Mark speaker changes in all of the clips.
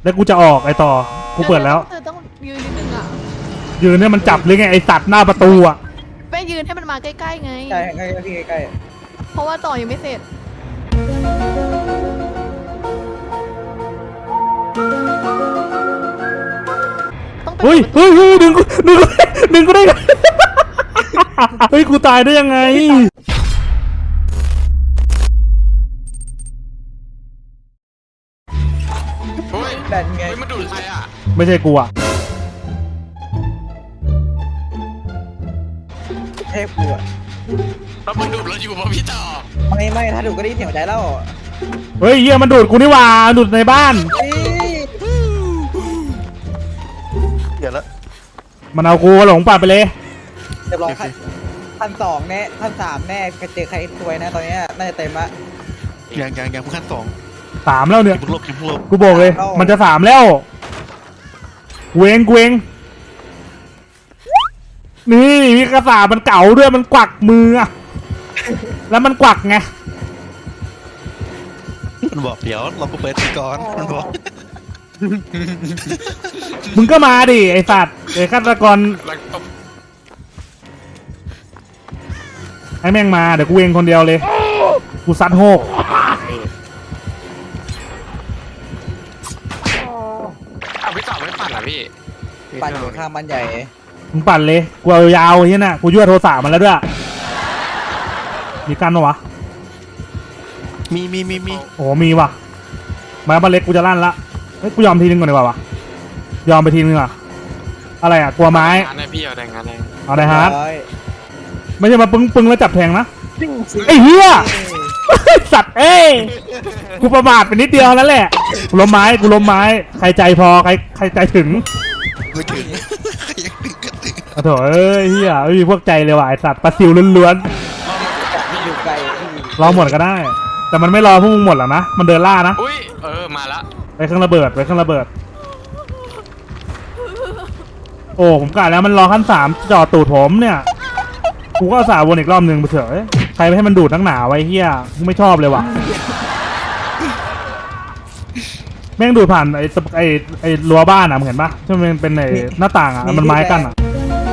Speaker 1: แล้วกูจะออกไอต่อกูเปิดแล้ว
Speaker 2: เธอต้องยืนนิดนึงอ่ะ
Speaker 1: ยืนเนี่ยมันจับหรือไงไอสัตว์หน้าประตูอ่ะ
Speaker 2: ไม่ยืนให้มันมาใกล้ๆไง
Speaker 3: ใช่ใกล้พี่ใกล้
Speaker 2: เพราะว่าต่อยังไม่เสร็จต้องไป
Speaker 1: เฮ้ยเฮ้ยเฮ้ยดึงกูดึงกูดึงกูได้ไง เฮ้ยกูตายได้ยังไง
Speaker 4: เฮ้ย
Speaker 3: ดันไง
Speaker 4: เฮ้ยมันดูดใครอ่ะ
Speaker 1: ไม่ใช่กูอ่ะ
Speaker 3: เทพกูอะ
Speaker 4: แล้วมันดูดเราอยู่ป่ะพี่ต่อ
Speaker 3: ไม่ถ้าดูก็ได้ยินเสียงหัวใจแล้ว
Speaker 1: เฮ้ยเฮียมันดูดกูนี่หว่าดูดในบ้าน
Speaker 3: เฮ้ย
Speaker 5: เดี๋ยวละ
Speaker 1: มันเอากูหลงป่าไปเลย
Speaker 3: เรียบร้อยพันสองแน่พันสามแน่เจอใครตัวยนะตอนนี้น่าจะเต็มละ
Speaker 5: ยังขั้น2
Speaker 1: 3แล้วเนี่ย
Speaker 5: อย่าเพิ่งลบอย่าเพิ่งลบ
Speaker 1: กูบอกเลย มันจะ3แล้วเวงเวงนี่มีกระสาบมันเก่าด้วยมันกวักมืออะแล้วมันกวักไง
Speaker 5: มันบอกเดี๋ยวเราไปเปิดก่อนมันบอก
Speaker 1: มึงก็มาดิไอสัตว์ไอฆาตกร
Speaker 4: แล้วตบ
Speaker 1: ไอแม่งมาเดี๋ยวกูเวงคนเดียวเลยกูซัดโฮก
Speaker 4: อ้าวพี่ต่อไม่ปั่นเหรอพี่
Speaker 3: ปั่นอยู่ข้างบ้านใหญ่
Speaker 1: มึงปั่นเลยกูเอายาวๆเฮียน่ะกูยั่วโทรศัพท์มันแล้วด้วยมีกันปะวะ
Speaker 5: มี
Speaker 1: โอ้มีว่ะมาบ้านเล็กกูจะลั่นละเฮ้ยกูยอมทีนึงก่อนดีกว่าวะยอมไปทีนึงอ่ะอะไรอ่ะกลัวไม้
Speaker 4: งานให้พี่เอาแต่งงานให้
Speaker 1: เอาได้ฮาร์ด
Speaker 3: ร้อย
Speaker 1: ไม่ใช่มาปึ้งแล้วจับแทงนะไอ้เหี้ยสัตว์เอ้ยกูประมาทไปนิดเดียวแล้วแหละกูล้มไม้ใครใจพอใครใจถึง
Speaker 5: ไม่ถึงยังถึงกันถึง
Speaker 1: โอ้โถเอ้ยเหี้ยไม่มีพวกใจเลยว่ะไอสัตว์ปลาซิวล้วน
Speaker 3: อยู่ไกลพี่
Speaker 1: ๆรอหมดก็ได้ แต่มันไม่รอพวกมึงหมดหรอกนะมันเดินล่านะ
Speaker 4: อุ้ยมาละ
Speaker 1: ไปเครื่องระเบิดโอ้ผมกะแล้วมันรอขั้น3จ่อตูดผมเนี่ยกูก็สาวนอีกรอบหนึ่งไปเถอะใครไปให้มันดูดทั้งหนาไว้เฮียกูไม่ชอบเลยว่ะแม่งดูดผ่านไอ้รั้วบ้านอ่ะมึงเห็นปะที่มันเป็นไอ้หน้าต่างอ่ะมันไม้กั้นอ่ะ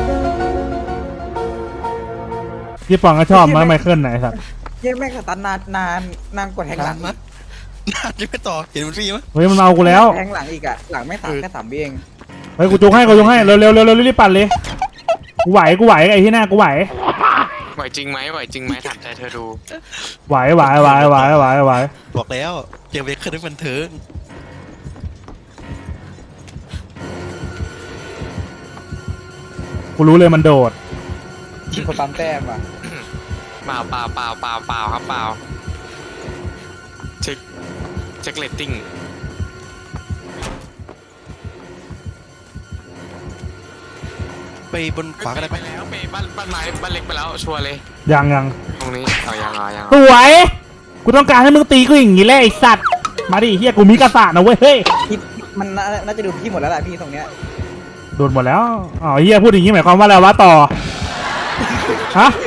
Speaker 1: พี่ปองก็ชอบมั้ยไมเคิลไหนสัตว์
Speaker 3: ยังแม่งสตันนานกว่าแทงหลัง
Speaker 5: นะยังไม่ต่อเห็นมันฟรีมั้ย
Speaker 1: เฮ้ยมันเอากูแล้ว
Speaker 3: แทงหลังอีกอะหลังไม่สามแค่3วิเอง
Speaker 1: เฮ้ยกูจุกให้เร็วรีบปั่นเลยกูไหวไอ้ที่หน้ากูไหว
Speaker 4: ไหวจริงไหมถามใจเธอดู
Speaker 1: ไหว
Speaker 5: บอกแล้วเจอเวคเคอร์ได้บันเทิง
Speaker 1: กูรู้เลยมันโดด
Speaker 3: มีคนปั๊มแต้มว่ะ
Speaker 4: เปล่าครับเปล่าเช็คเรตติ้ง
Speaker 5: ไปบนขวาก็ได้ไหม
Speaker 4: แล้วไปบ้านไม้บ้านเล็กไปแล้วชัวร์เลย
Speaker 1: ยัง
Speaker 4: ตรงนี้เอายัง
Speaker 1: สวยกูต้องการให้มึงตีกูอย่างนี้แหละไอ้สัตว์มาดิเฮียกูมีกระสานะเว้ยเฮ้ย
Speaker 3: พี่มันน่าจะดูพี่หมดแล้วแหละพี่ตรงเนี้ย
Speaker 1: โดนหมดแล้วอ๋อเฮียพูดอย่างนี้หมายความว่าอะไรวะต่อฮะ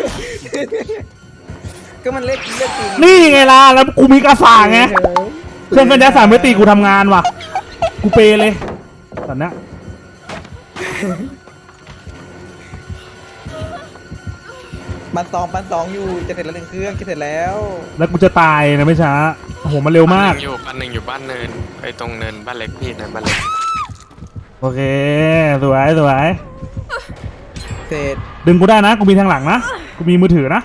Speaker 3: ก็มันเลือกจริง
Speaker 1: นี่ไงล่ะแล้วกูมีกระสาไงเครื่องกันยัดสามมิติกูทำงานว่ะกูเปเลยตอนเนี้ย
Speaker 3: ปันสองอยู่จะเสร็จแล้ว1 เครื่องจะเสร็จแล้ว
Speaker 1: แล้วกูจะตายนะไม่ช้าโอ้โหมันเร็วมาก
Speaker 4: ปันหนึ่งอยู่บ้านเนินไปตรงเนินบ้านเล็กพี่เนินบ้านเล็ก
Speaker 1: โอเคสวย
Speaker 3: เสร็จ
Speaker 1: ดึงกูได้นะกูมีทางหลังนะกูมีมือถือนะ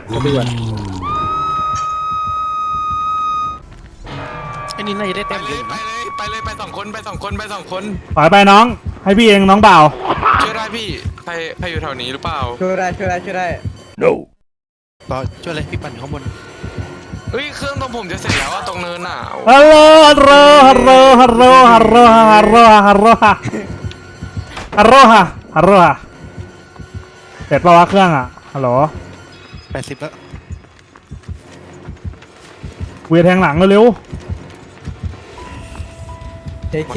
Speaker 5: ไอ้นี่น่าจะได้
Speaker 4: ไป
Speaker 5: แต้ม
Speaker 4: เล
Speaker 5: เย
Speaker 4: ย
Speaker 5: อะอยู่
Speaker 4: ไป
Speaker 5: นะ
Speaker 4: เลยไป2 คน
Speaker 1: ถอยไปน้องให้พี่เองน้องเบา
Speaker 4: ช่วยได้พี่ใครอยู่แถวนี้หรือเปล่า
Speaker 3: ช่วยได้
Speaker 5: ต่อช่วยเลยพี่ปั่นอยู่ข้างบน
Speaker 4: เฮ้ยเครื่องตรงผมจะเสร็จแล้วอะตรงเนินอ่ะ
Speaker 1: ฮัลโหลเสร็จปะวะเครื่องอ่ะฮัลโหล
Speaker 5: 80แล้ว
Speaker 1: กูจะแทงหลังเร็ว
Speaker 3: เค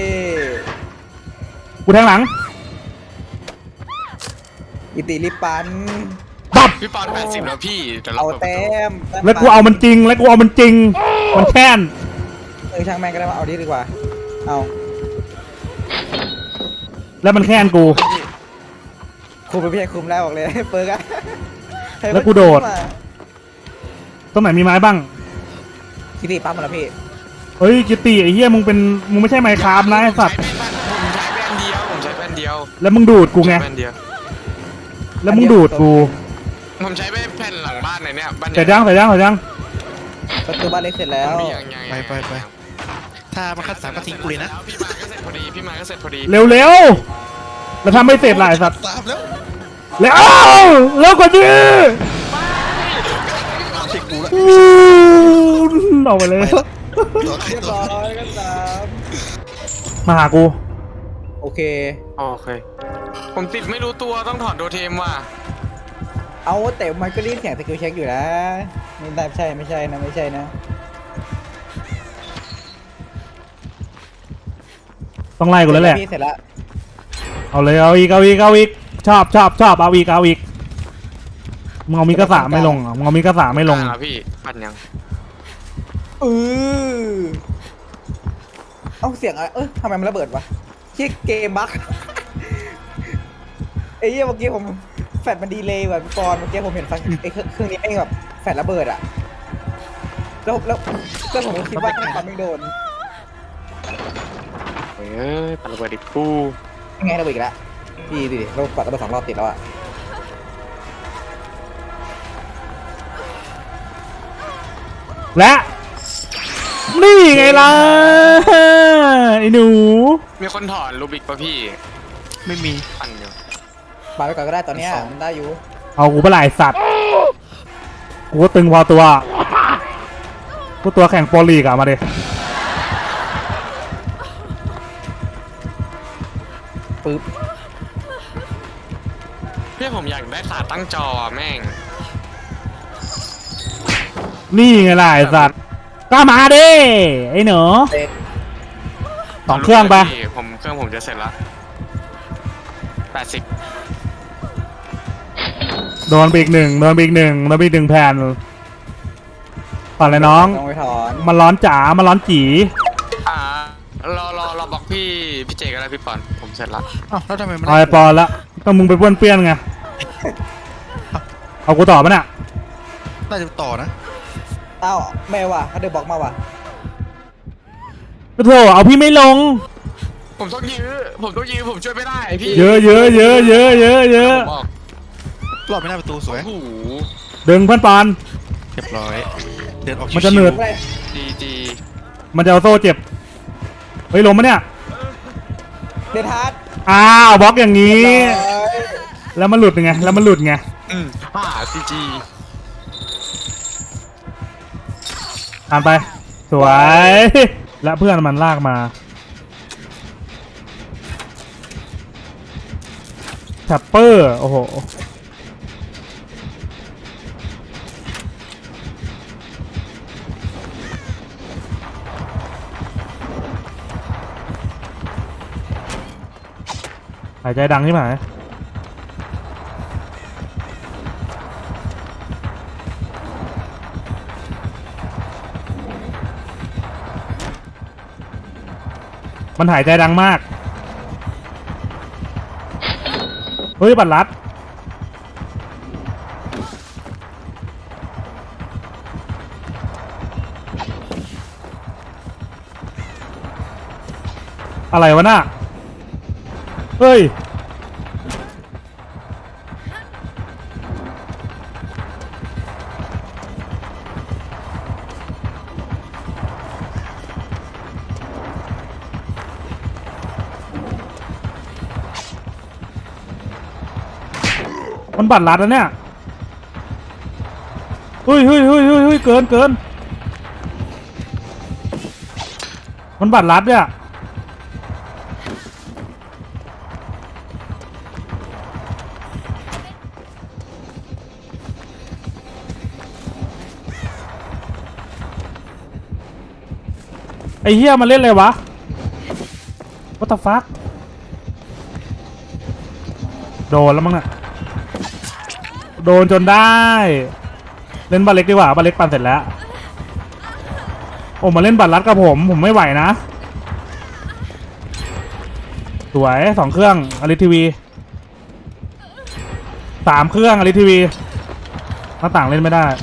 Speaker 1: กูแทงหลัง
Speaker 3: อิติลิปัน
Speaker 1: ปับ
Speaker 4: พี่ปอน80แล้วพี่เดี๋ยวเรา
Speaker 3: เอา
Speaker 4: เปิดประ
Speaker 3: แต้
Speaker 4: ตู
Speaker 3: ม
Speaker 1: แล้วกูเอามันจริงมันแค้น
Speaker 3: ช่างแม่งก็ได้มาเอาดีกว่าเอา
Speaker 1: แล้วมันแค้นกู
Speaker 3: คุมไปพี่ชายคุมแล้วบอกเลยเปิร์กอะ
Speaker 1: แล้วกูโดด ตรงไหนมีไม้บ้าง
Speaker 3: คิดดีปั๊มมาแล้วพี่
Speaker 1: เฮ้ยกิตติไอ้เหี้ยมึงไม่ใช่ไมค์คราฟนะไอ้สัตว์
Speaker 4: ผมใช้แป้นเดียว
Speaker 1: แล้วมึงดูดกูไง
Speaker 4: แป้นเดียว
Speaker 1: แล้วมึงดูดกู
Speaker 4: ผมใช้แผ่นหลังบ้านในเนี่ยบ้าน
Speaker 1: ใส่ย่างใส่ย่างใส่ย่าง
Speaker 3: ประตูบ้านเล็กเสร็จแล้ว
Speaker 5: ไปถ้ามันคัด3ก็ทิ้งกูเลยนะ
Speaker 4: พี่มาก็เสร็จพอดีพี่มาก็เสร็จพอดี
Speaker 1: เร็วๆแล้วทำไม่เสร็จหลายสัตว์
Speaker 5: 3แล้ว
Speaker 1: แล้วแล้วกว่านี้
Speaker 5: เช็คกูแล้ว
Speaker 1: ออกไปเลย
Speaker 5: ตัวใคร
Speaker 3: เรียบ
Speaker 5: ตัว
Speaker 3: ร้อยกันสาม
Speaker 1: มาหากู
Speaker 3: โอเค
Speaker 4: โอเค ผมติดไม่รู้ตัวต้องถอดโดเทมว่ะ
Speaker 3: เอาแต่มันก็รีบแข่งสกิลเช็คอยู่นะไม่ได้ไม่ใช่นะไม่ใช่นะ
Speaker 1: ต้องไล่กูแล้วแหละ
Speaker 3: พี่เสร็จแล้ว
Speaker 1: เอาเลยเอาอีกชอบเอาอีกมึงเอามีกระสาไม่ลงเหรอมึงเอามีกระสาไม่ลง
Speaker 4: แล้วพี่ปั่นยัง
Speaker 3: เอาเสียงอะไรทำไมมันระเบิดวะที่เกมบั๊ก ไอ้เหี้ยเมื่อกี้ผมแฟลชมันดีเลยว่ะพี่ปอนเมื่อกี้ผมเห็นไฟไอ้เครื่องนี้ไม่แบบแฟลชระเบิดอะแล้วผมก็คิดว่ามันไม่โดน
Speaker 4: เฮ้ยปั่นระเบิดดิกู
Speaker 3: ยังไงระเบิดอีกแล้วพี่ดูดิเราปัดระเบิด2 รอบติดแล้วอะ
Speaker 1: และนี่ไงล่ะไอ้หนู
Speaker 4: มีคนถอนรูบิกป่ะพี่
Speaker 5: ไม่มี
Speaker 4: ปั่นอยู่
Speaker 3: ปาไปก่อนก็ได้ตอนเนี้ยมันได้อยู่
Speaker 1: เอากูไปหลายสัตว์กูก็ตึงพอตัวกูตัวแข่งโปรลีกอะมาดิ
Speaker 3: ปึ๊บ
Speaker 4: พี่ผมอยากได้ขาตั้งจอแม่ง
Speaker 1: นี่ไงล่ะไอ้สัตว์ก็มาดิไอ้หนู
Speaker 3: เด็ด
Speaker 1: 2 เครื่องไป
Speaker 4: เครื่องผมจะเสร็จแล้ว80
Speaker 1: โดนไปอีกหนึ่งแผ่นก่อนเลยน้อง
Speaker 3: ลงไปถอน
Speaker 1: มันร้อนจ๋ามันร้อนจี
Speaker 4: รอบอกพี่เจกันแล้วพี่ปอนผมเสร็จแล้ว
Speaker 5: อ้าวแล้วทำไมมัน
Speaker 1: เอาไอปอนละก็มึงไปป้วนเปี้ยนไงเอากูต่อปะเนี่ย
Speaker 5: น่าจะต่อนะ
Speaker 3: อ้าวแม่ว่ะเขาเดินบอกมาว่ะ
Speaker 1: ก็โถเอาพี่ไม่ลง
Speaker 4: ผมต้องยื้อผมช่วยไม่ได้พี่
Speaker 1: เยอะ
Speaker 4: ผมบอก
Speaker 5: รอบไม่หน้าประตูสวย
Speaker 4: โอ้โห
Speaker 1: ดึงเพื่อนปอน
Speaker 5: เรียบร้อย เดินออก
Speaker 1: มันจะเหนื่อย
Speaker 3: อะไร
Speaker 4: ดี
Speaker 1: มันจะเอาโซ่เจ็บเฮ้ยลงปะเนี่ย
Speaker 3: เดนฮาร์ด
Speaker 1: อ้าวบล็อกอย่างนี้
Speaker 3: ร้อย
Speaker 1: แล้วมันหลุดไง
Speaker 4: จี
Speaker 1: อ่านไปสวย และเพื่อนมันลากมาแท็ปเปอร์โอ้โหหายใจดังใช่ไหมมันหายใจดังมากเฮ้ยบัตรลัดอะไรวะน่ะเฮ้ยมันบัตรลัดแล้วเนี่ยเฮ้ยเกินมันบัตรลัดเนี่ยไอ้เหี้ยมันเล่นอะไรวะ What the fuck โดนแล้วมั้งน่ะโดนจนได้เล่นบาเล็กดีกว่าบาเล็กปั่นเสร็จแล้วโอ้มาเล่นบัตรลัดกับผมไม่ไหวนะสวย2 เครื่องอลิทีวี3 เครื่องอลิทีวีหน้าต่างเล่นไม่ได้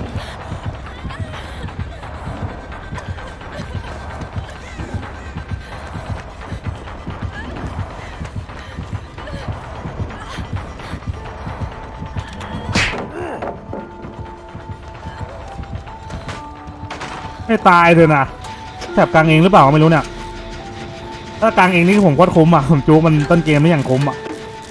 Speaker 1: ไม่ตายเลยนะแถบกลางเองหรือเปล่าไม่รู้เนี่ยถ้ากลางเองนี่ผมโคตรคุ้มอ่ะผมจูมันต้นเกมไม่อย่างคุ้มอ่ะ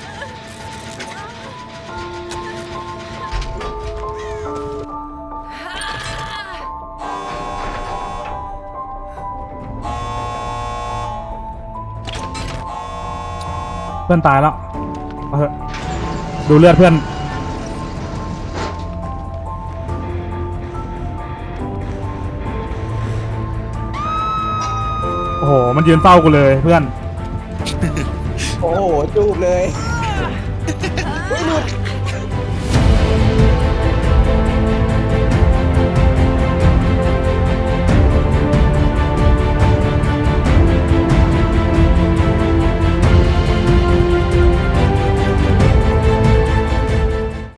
Speaker 1: เพื่อนตายแล้วเอาเถอะดูเลือดเพื่อนโอ้โหมันยืนเฝ้ากูเลยเพื่อน
Speaker 3: โอ้โหจูบเลย